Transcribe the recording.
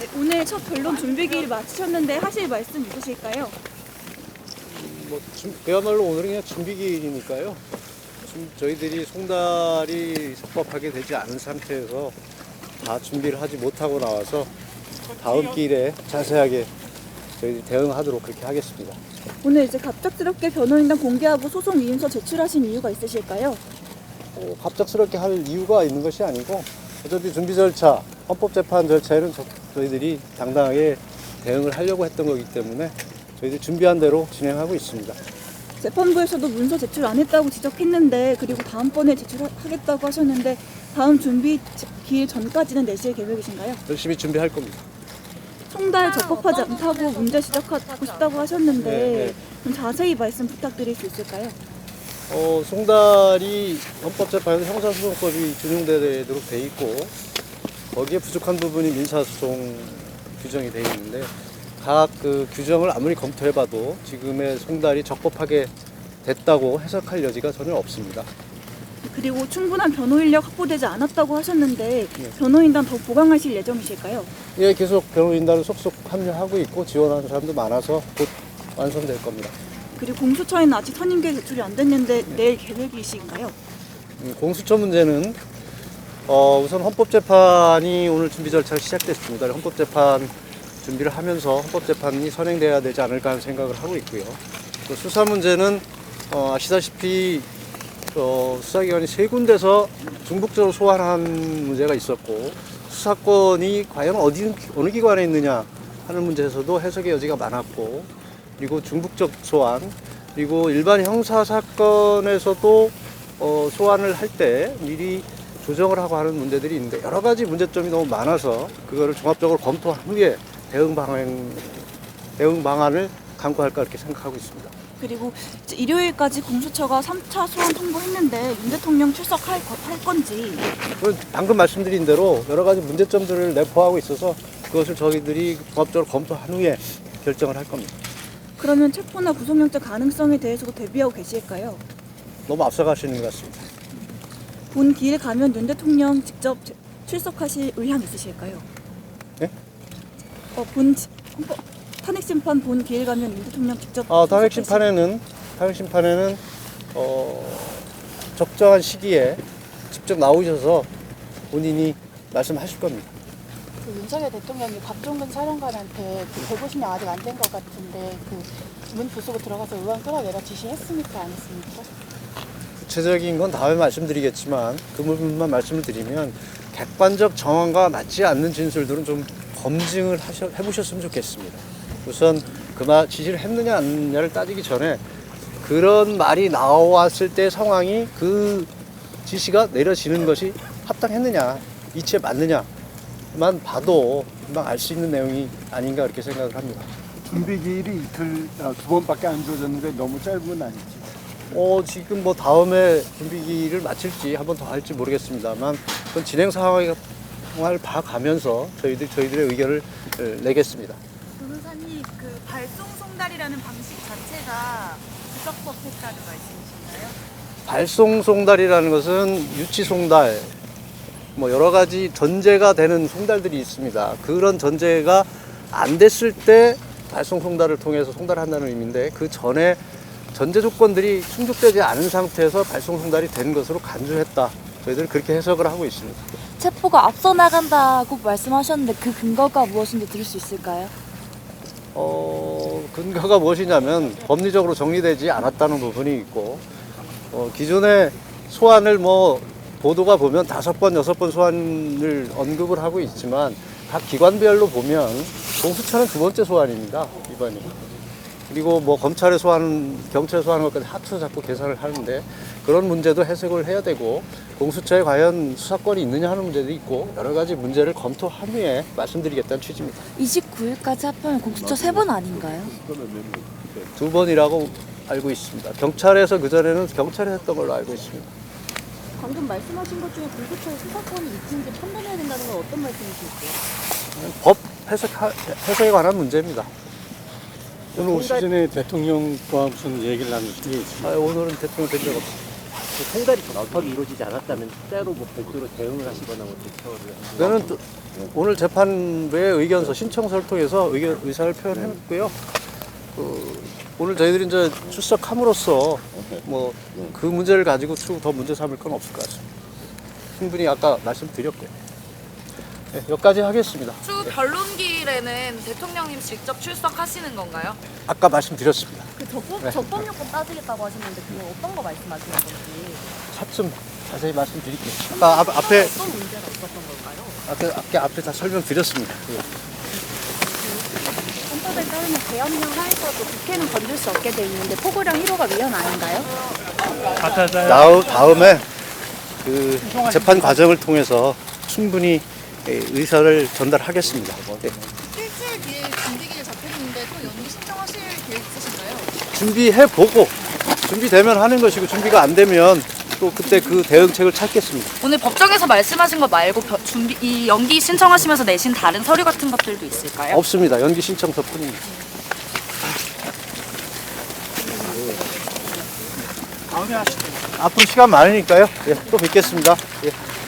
오늘 첫 변론 준비기일 마치셨는데 하실 말씀 있으실까요? 그야말로 오늘은 그냥 준비기일이니까요. 저희들이 송달이 적법하게 되지 않은 상태에서 다 준비를 하지 못하고 나와서 다음 기일에 자세하게 저희들이 대응하도록 그렇게 하겠습니다. 오늘 이제 갑작스럽게 변호인단 공개하고 소송 위임서 제출하신 이유가 있으실까요? 갑작스럽게 할 이유가 있는 것이 아니고 어차피 준비 절차, 헌법재판 절차에는 저희들이 당당하게 대응을 하려고 했던 거기 때문에 저희들이 준비한 대로 진행하고 있습니다. 재판부에서도 문서 제출 안 했다고 지적했는데 그리고 다음번에 제출하겠다고 하셨는데 다음 준비 기일 전까지는 내실 계획이신가요? 열심히 준비할 겁니다. 송달 적법하지 않다고 문제 지적하고 싶다고 하셨는데 네. 좀 자세히 말씀 부탁드릴 수 있을까요? 송달이 헌법재판에서 형사소송법이 준용되도록 돼 있고 거기에 부족한 부분이 민사소송 규정이 돼 있는데 각 그 규정을 아무리 검토해봐도 지금의 송달이 적법하게 됐다고 해석할 여지가 전혀 없습니다. 그리고 충분한 변호 인력 확보되지 않았다고 하셨는데 네. 변호인단 더 보강하실 예정이실까요? 예, 계속 변호인단을 속속 합류하고 있고 지원하는 사람도 많아서 곧 완성될 겁니다. 그리고 공수처에는 아직 선임계 제출이 안 됐는데 내일 계획이신가요? 공수처 문제는 우선 헌법재판이 오늘 준비 절차가 시작됐습니다. 헌법재판 준비를 하면서 헌법재판이 선행돼야 되지 않을까 하는 생각을 하고 있고요. 또 수사 문제는 아시다시피 수사기관이 세 군데서 중복적으로 소환한 문제가 있었고 수사권이 과연 어느 기관에 있느냐 하는 문제에서도 해석의 여지가 많았고 그리고 중복적 소환 그리고 일반 형사 사건에서도 소환을 할 때 미리 조정을 하고 하는 문제들이 있는데 여러 가지 문제점이 너무 많아서 그거를 종합적으로 검토한 후에 대응 방안을 강구할까 이렇게 생각하고 있습니다. 그리고 이제 일요일까지 공수처가 3차 소환 통보했는데 윤 대통령 출석할 건지 방금 말씀드린 대로 여러 가지 문제점들을 내포하고 있어서 그것을 저희들이 종합적으로 검토한 후에 결정을 할 겁니다. 그러면 체포나 구속영장 가능성에 대해서도 대비하고 계실까요? 너무 앞서가시는 것 같습니다. 본 기일 가면 윤 대통령 직접 출석하실 의향 있으실까요? 네? 탄핵 심판 본 기일 가면 윤 대통령 직접 탄핵 심판에는 적정한 시기에 직접 나오셔서 본인이 말씀하실 겁니다. 윤석열 대통령이 박종근 사령관한테 150명 아직 안 된 것 같은데 문 부수고 들어가서 의원 끌어내라 지시했습니까? 안 했습니까? 구체적인 건 다음에 말씀드리겠지만 그 부분만 말씀을 드리면 객관적 정황과 맞지 않는 진술들은 좀 검증을 해보셨으면 좋겠습니다. 우선 그 말 지시를 했느냐 안 했느냐를 따지기 전에 그런 말이 나왔을 때 상황이 그 지시가 내려지는 것이 합당했느냐 이치에 맞느냐만 봐도 금방 알 수 있는 내용이 아닌가 그렇게 생각을 합니다. 준비 기일이 두 번밖에 안 주어졌는데 너무 짧은 건 아니지? 지금 다음에 준비기를 마칠지 한 번 더 할지 모르겠습니다만 그건 진행 상황을 봐가면서 저희들의 의견을 내겠습니다. 변호사님, 발송 송달이라는 방식 자체가 부적법했다는 말씀이신가요? 발송 송달이라는 것은 유치 송달, 여러 가지 전제가 되는 송달들이 있습니다. 그런 전제가 안 됐을 때 발송 송달을 통해서 송달한다는 의미인데 그 전에 전제 조건들이 충족되지 않은 상태에서 발송 송달이 된 것으로 간주했다. 저희들은 그렇게 해석을 하고 있습니다. 체포가 앞서 나간다고 말씀하셨는데 그 근거가 무엇인지 들을 수 있을까요? 근거가 무엇이냐면 법리적으로 정리되지 않았다는 부분이 있고 기존의 소환을 보도가 보면 5번, 6번 소환을 언급을 하고 있지만 각 기관별로 보면 공수처는 2번째 소환입니다. 이번이. 그리고 검찰에 소환, 경찰에 소환한 것까지 합쳐서 자꾸 계산을 하는데 그런 문제도 해석을 해야 되고 공수처에 과연 수사권이 있느냐 하는 문제도 있고 여러 가지 문제를 검토한 후에 말씀드리겠다는 취지입니다. 29일까지 합하면 공수처 3번 아닌가요? 2번이라고 알고 있습니다. 경찰에서 그전에는 경찰에 했던 걸로 알고 있습니다. 방금 말씀하신 것 중에 공수처의 수사권이 있는지 판단해야 된다는 건 어떤 말씀이실까요? 법 해석에 관한 문제입니다. 오늘 오시기 전에 대통령과 무슨 얘기를 나누신 게 있습니까? 오늘은 대통령 된 적 없습니다. 그 송달이 적법하게 이루어지지 않았다면 따로 뭐 별도로 대응을 하시거나 뭐 대처를 그거는 또 오늘 재판부의 의견서 신청서를 통해서 의사를 표현했고요. 오늘 저희들이 이제 출석함으로써 뭐 그 문제를 가지고 추후 더 문제 삼을 건 없을 것 같습니다. 충분히 아까 말씀드렸고요. 네, 여기까지 하겠습니다. 추후 변론기일에는 대통령님 직접 출석하시는 건가요? 아까 말씀드렸습니다. 그 적법 요건 따지겠다고 하셨는데 그건 어떤 거 말씀하시는 건지. 차츰 자세히 말씀드릴게요. 아까 앞에 어떤 문제가 있었던 걸까요? 앞에 다 설명드렸습니다. 헌법에 따르면 계엄령 하에서도 국회는 건들 수 없게 돼 있는데 포고령 1호가 위헌 아닌가요? 다음에 그 재판 과정을 통해서 충분히 의사를 전달하겠습니다. 네. 일주일 뒤에 준비기일 잡혔는데 또 연기 신청하실 계획 있으신가요? 준비해보고 준비되면 하는 것이고 준비가 안 되면 또 그때 그 대응책을 찾겠습니다. 오늘 법정에서 말씀하신 거 말고 이 연기 신청하시면서 내신 다른 서류 같은 것들도 있을까요? 없습니다. 연기 신청서뿐입니다. 앞으로 시간 많으니까요. 예, 또 뵙겠습니다. 예.